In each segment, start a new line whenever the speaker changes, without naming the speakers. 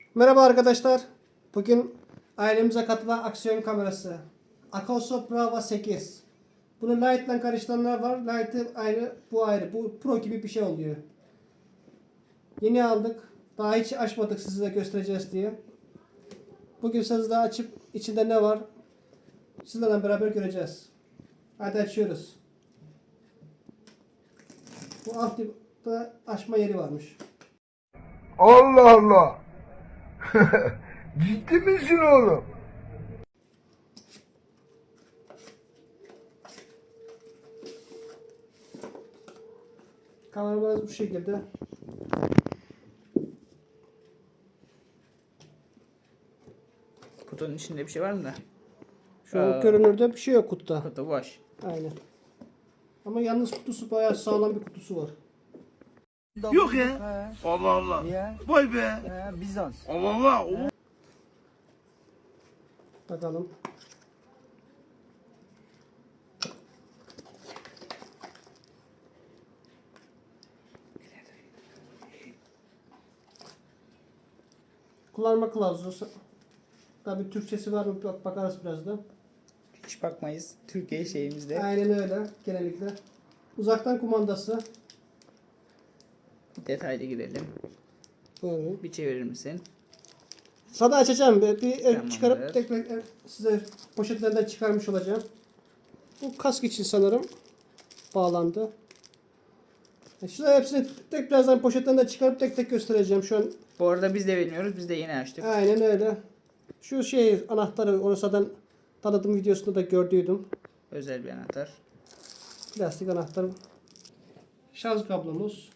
Merhaba arkadaşlar. Bugün ailemize katılan aksiyon kamerası. Akoso Brava 8. Bunu Light ile karıştıranlar var. Light'ı ayrı, bu ayrı. Bu Pro gibi bir şey oluyor. Yeni aldık. Daha hiç açmadık size göstereceğiz diye. Bugün size açıp içinde ne var sizlerle beraber göreceğiz. Hadi açıyoruz. Bu altta açma yeri varmış.
Allah Allah. Ciddi misin oğlum?
Kameramız bu şekilde.
Kutunun içinde bir şey var mı da?
Şu an görünürde bir şey yok kutuda.
Kutu boş.
Aynen. Ama yalnız kutusu bayağı sağlam bir kutusu var.
Yok ya. Allah Allah.
Niye?
Vay be.
Bizans.
Allah Allah.
Bakalım. Kullanma kılavuzu. Tabii Türkçesi var mı bakarız birazdan.
Hiç bakmayız. Türkiye şeyimizde.
Aynen öyle genellikle. Uzaktan kumandası.
Detaylı girelim.
Böyle.
Bir çevirir misin?
Sana açacağım. Bir
Tamamdır.
çıkarıp tekrar size poşetlerden çıkarmış olacağım. Bu kask için sanırım bağlandı. Şurada hepsini birazdan poşetlerinden çıkarıp tek tek göstereceğim. Şu an
Bu arada biz de bilmiyoruz. Biz de yeni açtık.
aynen öyle. Şu şey anahtarı onu zaten tanıtım videosunda da gördüydüm.
Özel bir anahtar.
Plastik anahtar. Şarj kablomuz.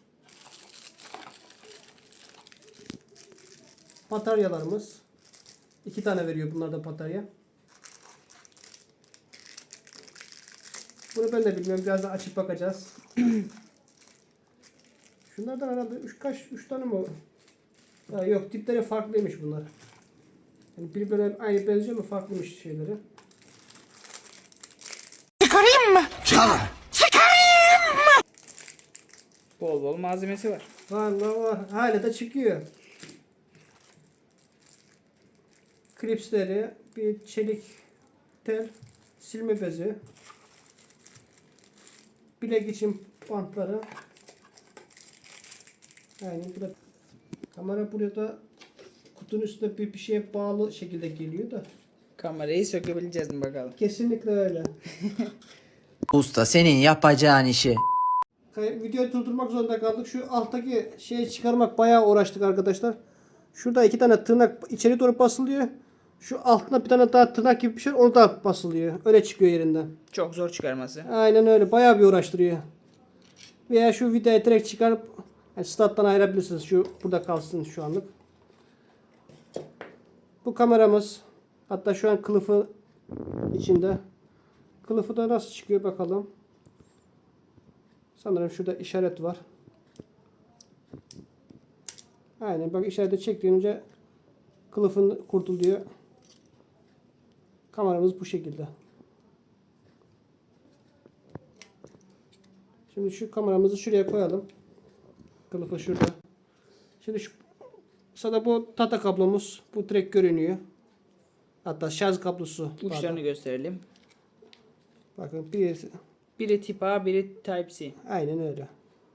Bataryalarımız. 2 tane veriyor bunlarda batarya. Bunu ben de bilmiyorum. Birazdan açıp bakacağız. Şunlardan herhalde 3 tane mi? Ha, yok tipleri farklıymış bunlar. Yani birbirine aynı benziyor mu farklıymış şeyleri.
Bol bol malzemesi var.
Var. Hala da çıkıyor. Klipsleri, bir çelik tel, silme bezi, bilek için bantları. Yani burada kamera burada kutunun üstünde bir şeye bağlı şekilde geliyor da.
Kamerayı sökebileceğiz mi bakalım.
Kesinlikle öyle.
Usta senin yapacağın işi.
Videoyu durdurmak zorunda kaldık. Şu alttaki şeyi çıkarmak bayağı uğraştık arkadaşlar. Şurada 2 tane tırnak içeri doğru basılıyor. Şu altına bir tane daha tırnak gibi bir şey onu da basılıyor. Öyle çıkıyor yerinden.
Çok zor çıkarması.
Aynen öyle. Bayağı bir uğraştırıyor. Veya şu vidayı direkt çıkarıp stat'tan ayırabilirsiniz. Şu burada kalsın şu anlık. Bu kameramız. Hatta şu an kılıfı içinde. Kılıfı da nasıl çıkıyor bakalım. Sanırım şurada işaret var. Aynen bak işareti çektiğince kılıfın kurtuluyor. Kameramız bu şekilde. Şimdi şu kameramızı şuraya koyalım. Kılıfı şurada. Şimdi şu sana bu data kablomuz bu direkt görünüyor. Hatta şarj kablosu.
Uçlarını
Pardon.
gösterelim.
Bakın
Biri tip A, biri Type C.
aynen öyle.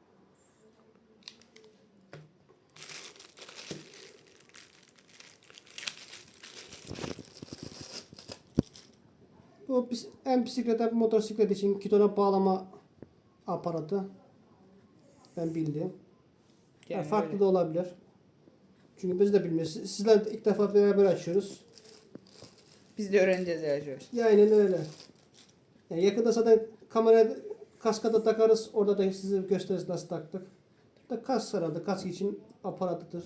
Bu hem bisiklet hem motosiklet için gidona bağlama aparatı. Ben bildim.
Yani
Farklı
böyle.
da olabilir. Çünkü biz de bilmiyoruz. Sizler ilk defa beraber açıyoruz.
Biz de öğreneceğiz yavaş yavaş.
Ya aynen öyle. Yani yakında zaten kamera kaskada takarız. Orada da size gösteririz nasıl taktık. Da kask herhalde. Kask için aparatıdır.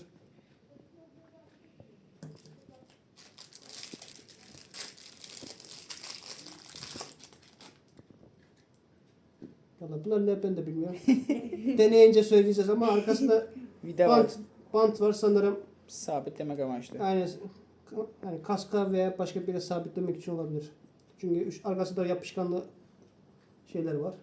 Valla bunlar ne ben de bilmiyorum. Deneyince söyleyeceğiz ama arkasında
Vida var.
bant var sanırım.
Sabitlemek amaçlı.
Yani kaska veya başka bir yere sabitlemek için olabilir. Çünkü arkasında yapışkanlı şeyler var.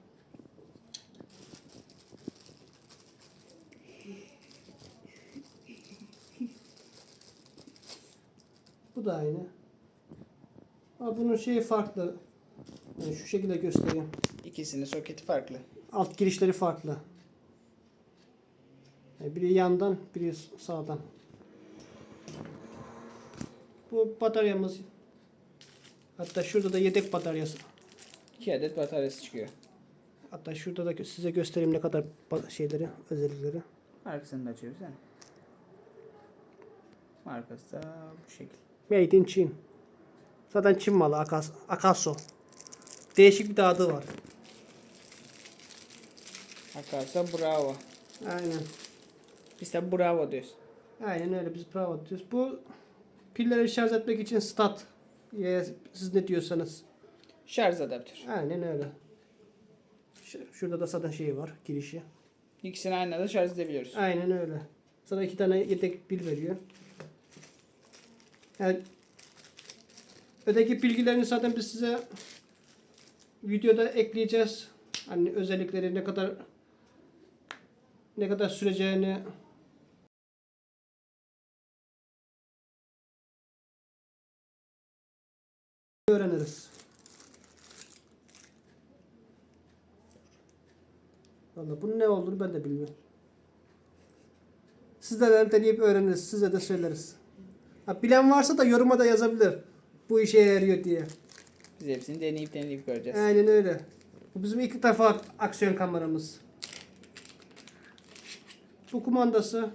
Bu da aynı. Ama bunun şeyi farklı. Yani şu şekilde göstereyim.
İkisinin soketi farklı.
Alt girişleri farklı. Yani biri yandan, biri sağdan. Bu bataryamız. Hatta şurada da yedek bataryası.
2 adet bataryası çıkıyor.
Hatta şurada da size göstereyim ne kadar şeyleri, özellikleri.
Arkasını da açıyoruz yani. Arkası da bu şekil.
Made in Çin. Zaten Çin malı Akaso. Değişik bir de adı var.
Akarsa bravo.
Aynen.
Biz de bravo diyoruz.
Aynen öyle biz bravo diyoruz. Bu pilleri şarj etmek için stat. Ya, siz ne diyorsanız.
Şarj adaptör.
Aynen öyle. Şurada da zaten şey var, girişi.
İkisini aynı anda şarj edebiliyoruz.
Aynen öyle. Sana 2 tane yedek pil veriyor. Yani öteki bilgilerini zaten biz size videoda ekleyeceğiz. Hani özellikleri ne kadar süreceğini öğreniriz. Vallahi bunun ne olduğunu ben de bilmiyorum. Sizlerden deneyip öğreniriz. Size de söyleriz. Ha, bilen varsa da yoruma da yazabilir. Bu işe yarıyor diye.
Biz hepsini deneyip göreceğiz.
Aynen öyle. Bu bizim ilk defa aksiyon kameramız. Bu kumandası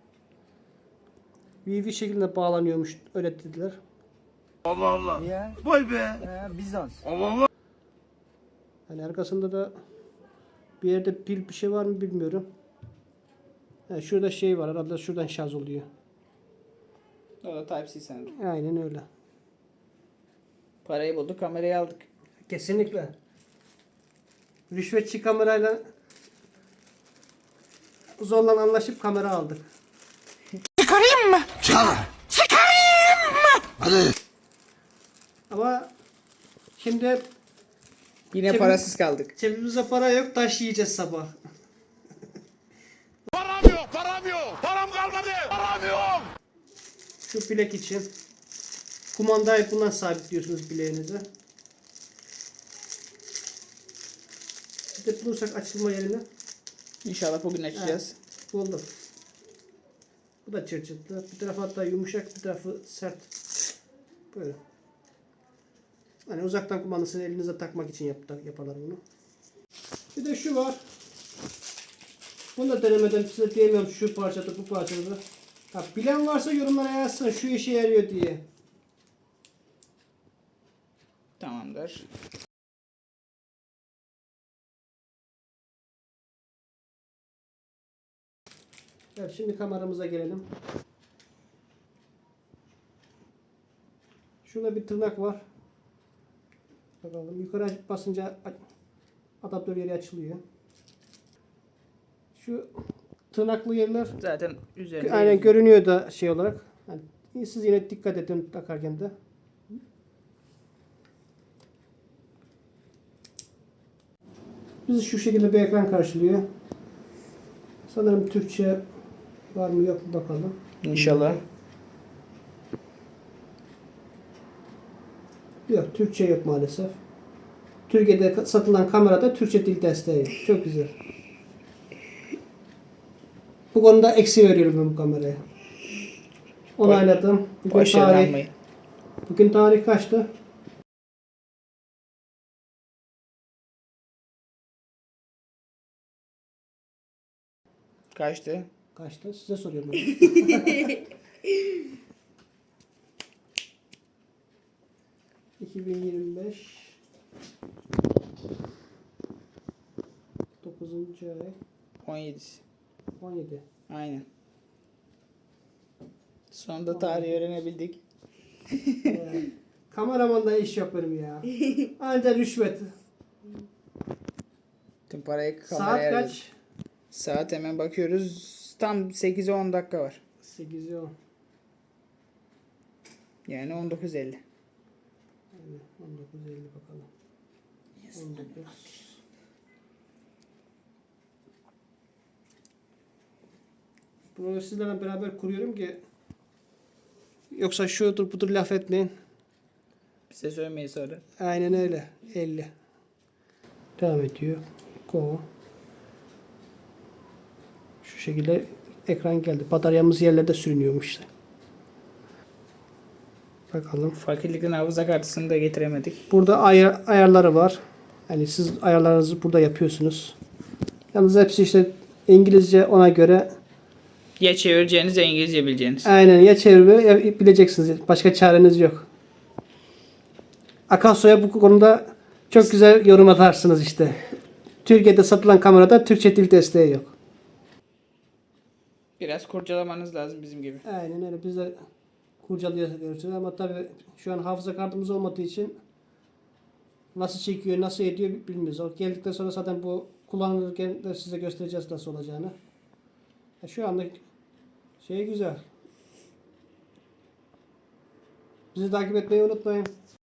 VV şeklinde bağlanıyormuş. Öyle dediler.
Allah Allah.
Ya,
Vay be.
Bizans.
Allah Allah.
Hani arkasında da bir yerde pil bir şey var mı bilmiyorum. Ha, şurada şey var. Arada şuradan şarj oluyor.
O da Type-C sanırım.
Aynen öyle.
Parayı bulduk, kamerayı aldık.
Kesinlikle. Rüşvetçi kamerayla zorla anlaşıp kamera aldık.
Hadi.
Ama şimdi
Yine
Cebim-
parasız kaldık.
cebimizde para yok, taş yiyeceğiz sabah.
Param yok, param yok. Param kalmadı. Param yok.
Şu bilek için. Kumandayı bundan sabitliyorsunuz bileğinize. Bir de bulursak açılma yerini
İnşallah bugün açacağız.
buldum. Bu da çırçıtlı. Bir tarafı hatta yumuşak, bir tarafı sert. Böyle. Hani uzaktan kumandasını elinize takmak için yaparlar bunu. Bir de şu var. Bunu da denemeden size diyemiyorum şu parçada bu parçada. Ha, bilen varsa yorumlara yazsın şu işe yarıyor diye.
Tamamdır.
Evet, şimdi kameramıza gelelim. Şurada bir tırnak var. Bakalım yukarı basınca adaptör yeri açılıyor. Şu tırnaklı yerler
Zaten üzerinde
aynen
yazıyor.
görünüyor da şey olarak. Yani siz yine dikkat edin takarken de. Bizi şu şekilde bir ekran karşılıyor. Sanırım Türkçe var mı yok mu bakalım.
İnşallah.
Yok, Türkçe yok maalesef. Türkiye'de satılan kamerada Türkçe dil desteği. Çok güzel. Bu konuda eksi veriyorum ben bu kameraya. Onayladım.
Başarılanmayı.
Bugün tarih kaçtı?
Kaçtı?
Kaçtı? Size soruyorum. Ben. 2025 9. ay
17'si.
17.
Aynen. Sonunda tarihi öğrenebildik.
Kameramanda iş yok benim ya. Anca rüşvet.
Tüm parayı
Saat
kameraya verdik.
kaç?
Saat hemen bakıyoruz. Tam 8'e 10 dakika var.
8 10.
Yani 19.50.
Yani 19.50 bakalım. 19. Bunu sizlerle beraber kuruyorum ki Yoksa şudur budur laf etmeyin.
Bize söylemeyi sonra.
Aynen öyle. 50. Devam ediyor. Go. Şu şekilde ekran geldi. Bataryamız yerlerde sürünüyormuş işte. Bakalım.
Fakirlikten hafıza kartısını da getiremedik.
Burada ayarları var. Yani siz ayarlarınızı burada yapıyorsunuz. Yalnız hepsi işte İngilizce, ona göre
Ya çevireceğiniz ya İngilizce bileceğiniz.
aynen ya çevirme ya bileceksiniz. Başka çareniz yok. Akasso'ya bu konuda çok güzel yorum atarsınız işte. Türkiye'de satılan kamerada Türkçe dil desteği yok.
Biraz kurcalamanız lazım bizim gibi.
Aynen öyle. Biz de kurcalıyoruz ama tabii şu an hafıza kartımız olmadığı için nasıl çekiyor, nasıl ediyor bilmiyoruz. O geldikten sonra zaten bu kullanılırken de size göstereceğiz nasıl olacağını. Şu anda şey güzel. Bizi takip etmeyi unutmayın.